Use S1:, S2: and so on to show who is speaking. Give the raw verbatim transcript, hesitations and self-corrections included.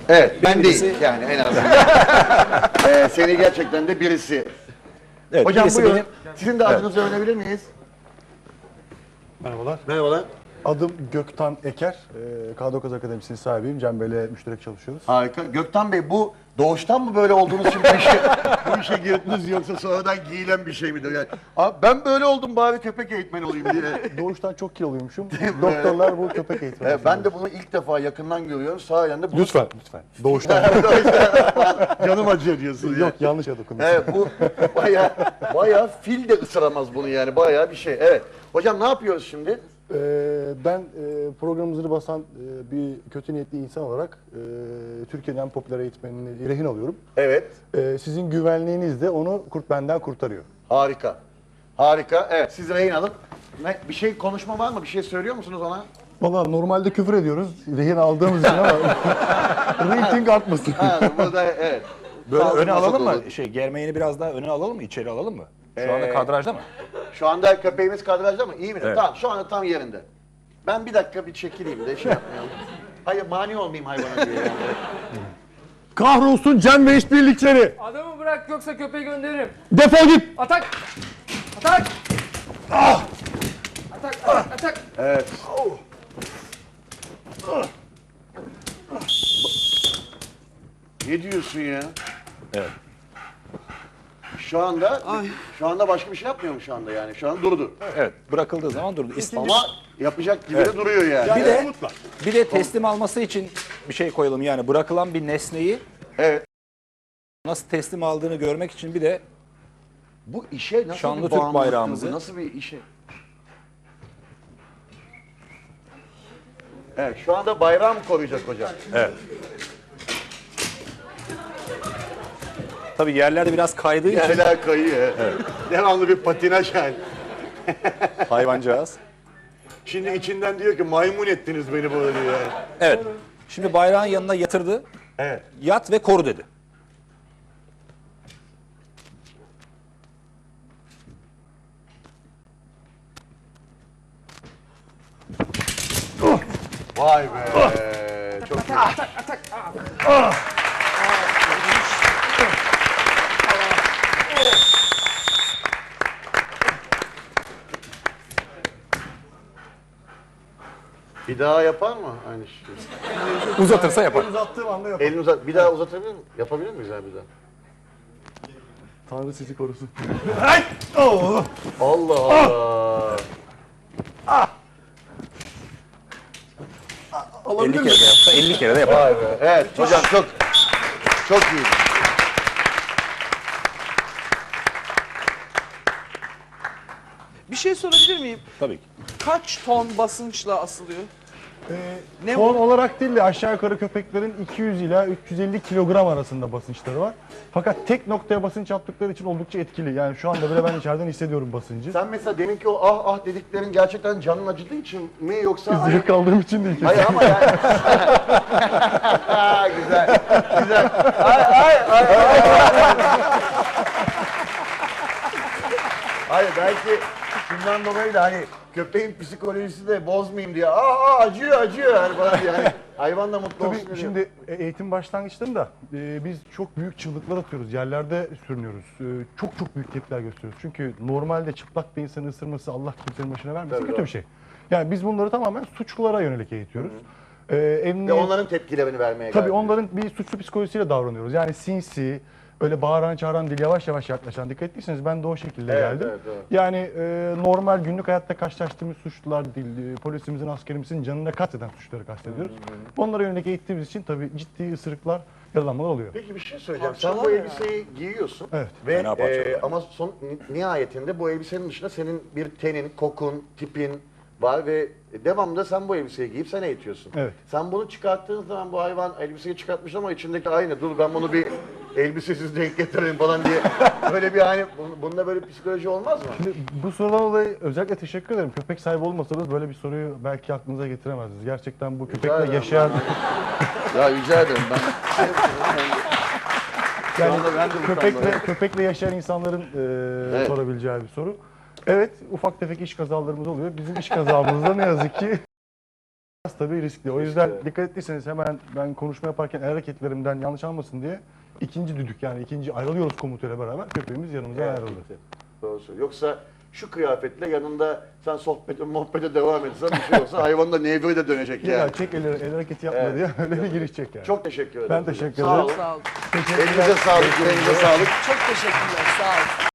S1: Evet, ben
S2: Birisi-
S1: değil yani en azından. ee, seni gerçekten de birisi.
S2: Evet,
S1: Hocam
S2: birisi
S1: buyurun.
S2: benim.
S1: Sizin de adınızı öğrenebilir miyiz?
S3: Merhabalar.
S1: Merhabalar.
S3: Adım Göktan Eker. Ee, K dokuz Akademisi'nin sahibiyim. Cem Bey'le müşterek çalışıyoruz.
S1: Harika. Gökten Bey, bu doğuştan mı böyle olduğunuz için bu işe, bu işe girdiniz yoksa sonradan giyilen bir şey midir? Yani, "Aa, ben böyle oldum, bari köpek eğitmeni olayım" diye.
S3: Doğuştan çok kiloluymuşum. Doktorlar bu köpek eğitmeni.
S1: Ee, ben de bunu ilk defa yakından görüyorum. Sahiden de bu...
S3: Lütfen, lütfen. Doğuştan.
S1: Canım acıyor diyorsun ya.
S3: Yok, yanlış yere dokundum.
S1: Evet, bu bayağı, bayağı fil de ısıramaz bunu yani, bayağı bir şey. Evet. Hocam ne yapıyoruz şimdi?
S3: Ee, ben e, programımızı basan e, bir kötü niyetli insan olarak e, Türkiye'nin en popüler eğitmenini rehin alıyorum.
S1: Evet.
S3: E, sizin güvenliğiniz de onu kurt benden kurtarıyor.
S1: Harika. Harika. Evet, siz rehin alın. Ne, bir şey konuşma var mı? Bir şey söylüyor musunuz ona?
S3: Valla normalde küfür ediyoruz rehin aldığımız için ama rating artmasın.
S1: Ha, burada evet.
S2: Böyle
S1: Sağ olun,
S2: öne alalım
S1: nasıl
S2: mı?
S1: olur?
S2: Şey, germeğini biraz daha öne alalım mı? İçeri alalım mı? Şu anda
S1: Ee,
S2: kadrajda mı?
S1: Şu anda köpeğimiz kadrajda mı? İyi mi?
S2: Evet.
S1: Tamam, şu anda tam yerinde. Ben bir dakika bir çekileyim de şey yapmayalım. Hayır, mani olmayayım hayvana diye. Yani.
S3: Kahrolsun Cem ve işbirlikleri.
S4: Adamı bırak yoksa köpeği gönderirim.
S3: Defol git.
S4: Atak! Atak! Ah! Atak, atak, atak!
S1: Evet. Ne diyorsun ya?
S2: Evet.
S1: Şu anda şu anda başka bir şey yapmıyor mu şu anda yani? Şu an durdu.
S2: Evet, bırakıldığı zaman durdu. İst-
S1: Ama yapacak gibi de duruyor yani.
S2: Bir de bir de teslim alması için bir şey koyalım, yani bırakılan bir nesneyi
S1: Evet.
S2: nasıl teslim aldığını görmek için bir de
S1: Bu işe nasıl
S2: Şanlı
S1: bir
S2: Türk
S1: bağımlılık
S2: bayrağımızı-
S1: bu? Nasıl bir işe? Evet, şu anda bayrağı mı koruyacak hocam?
S2: evet. Tabii yerlerde biraz kaydığı için
S1: Yerler kayıyor. Devamlı bir patinaj yani.
S2: hayvancağız.
S1: Şimdi içinden diyor ki maymun ettiniz beni böyle diyor. Yani.
S2: Evet. Şimdi bayrağın yanına yatırdı.
S1: Evet.
S2: Yat ve koru dedi.
S1: Vay be. Çok iyi. Bir daha yapar mı aynı şeyi?
S2: Uzatırsa yapar.
S3: Uzattığım anda yapar.
S1: Elini uzat. Bir daha uzatabilir miyim? Yapabilir miyiz abi bir daha?
S3: Tanrı sizi korusun.
S1: Allah Allah.
S2: elli kere de yapsa elli kere de yapar.
S1: Vay be. Evet hocam çok çok iyi.
S5: Bir şey sorabilir miyim?
S2: Tabii ki.
S5: Kaç ton basınçla asılıyor?
S3: Ne Ton olarak değil de aşağı yukarı köpeklerin iki yüz ila üç yüz elli kilogram arasında basınçları var. Fakat tek noktaya basınç yaptıkları için oldukça etkili. Yani şu anda bile ben içeriden hissediyorum basıncı.
S1: Sen mesela deminki o ah ah dediklerin gerçekten canın acıdığı için mi yoksa hani...
S3: Zevk aldığım için değil.
S1: Hayır ama yani... güzel, güzel. Ay ay ay ay. Hayır belki şundan dolayı da hani köpeğin psikolojisi de bozmayayım diye. Aa, aa acıyor acıyor yani bana yani. Hayvan da mutlu olsun
S3: Tabii
S1: diye.
S3: şimdi e, eğitim başlangıçlarında e, biz çok büyük çığlıklar atıyoruz. Yerlerde sürünüyoruz. E, çok çok büyük tepkiler gösteriyoruz. Çünkü normalde çıplak bir insanı ısırması Allah kimsenin başına vermesin
S1: Tabii,
S3: kötü
S1: doğru.
S3: bir şey. Yani biz bunları tamamen suçlulara yönelik eğitiyoruz. E,
S1: Ve
S3: emniyet,
S1: onların tepkilerini vermeye
S3: tabii
S1: gayret
S3: onların bir suçlu psikolojisiyle davranıyoruz. Yani sinsi, öyle bağıran çağıran değil, yavaş yavaş yaklaşan. Dikkat ettiyseniz ben de o şekilde
S1: Evet,
S3: geldim.
S1: evet, evet.
S3: Yani e, normal günlük hayatta karşılaştığımız suçlular değil, e, polisimizin, askerimizin canına kasteden suçları kastediyoruz. Onlara yönelik eğittiğimiz için tabii ciddi ısırıklar, yaralanmalar oluyor.
S1: Peki bir şey söyleyeceğim. Sen bu elbiseyi giyiyorsun.
S3: Evet.
S1: Ve
S2: Fena parçalar.
S1: e, ama son ni- nihayetinde bu elbisenin dışında senin bir tenin, kokun, tipin var ve devamlı sen bu elbiseyi giyip sen eğitiyorsun.
S3: Evet.
S1: Sen bunu çıkarttığın zaman bu hayvan elbiseyi çıkartmış ama içindeki aynı. Dur ben bunu bir elbisesiz denk getireyim falan diye. Böyle bir hani bun- bunda böyle psikoloji olmaz mı?
S3: Şimdi bu sorudan dolayı özellikle teşekkür ederim. Köpek sahibi olmasanız böyle bir soruyu belki aklınıza getiremezdiniz. Gerçekten bu köpekle
S1: ederim.
S3: yaşayan...
S1: Ya rica ederim ben.
S3: yani
S1: anda ben de bu
S3: köpekle,
S1: konuda-
S3: köpekle yaşayan insanların e,
S1: Evet.
S3: sorabileceği bir soru. Evet, ufak tefek iş kazalarımız oluyor. Bizim iş kazamızda ne yazık ki Biraz tabii riskli. O yüzden dikkat ettiyseniz hemen ben konuşma yaparken el hareketlerimden yanlış almasın diye ikinci düdük yani ikinci ayrılıyoruz komutuyla beraber köpeğimiz yanımıza
S1: Evet.
S3: ayrıldı.
S1: Doğru söylüyor. Yoksa şu kıyafetle yanında sen sohbete, muhabbete devam etsen bir şey olsa hayvan da nevre de dönecek
S3: Ya
S1: yani.
S3: çek el, el hareketi yapma
S1: Evet.
S3: diye öyle bir girişecek yani.
S1: Çok teşekkür ederim.
S3: Ben teşekkür
S1: Sağ
S3: ederim.
S1: olun.
S5: Sağ olun.
S1: Elinize sağlık, yüreğinize sağlık.
S5: Çok teşekkürler. Sağ olun.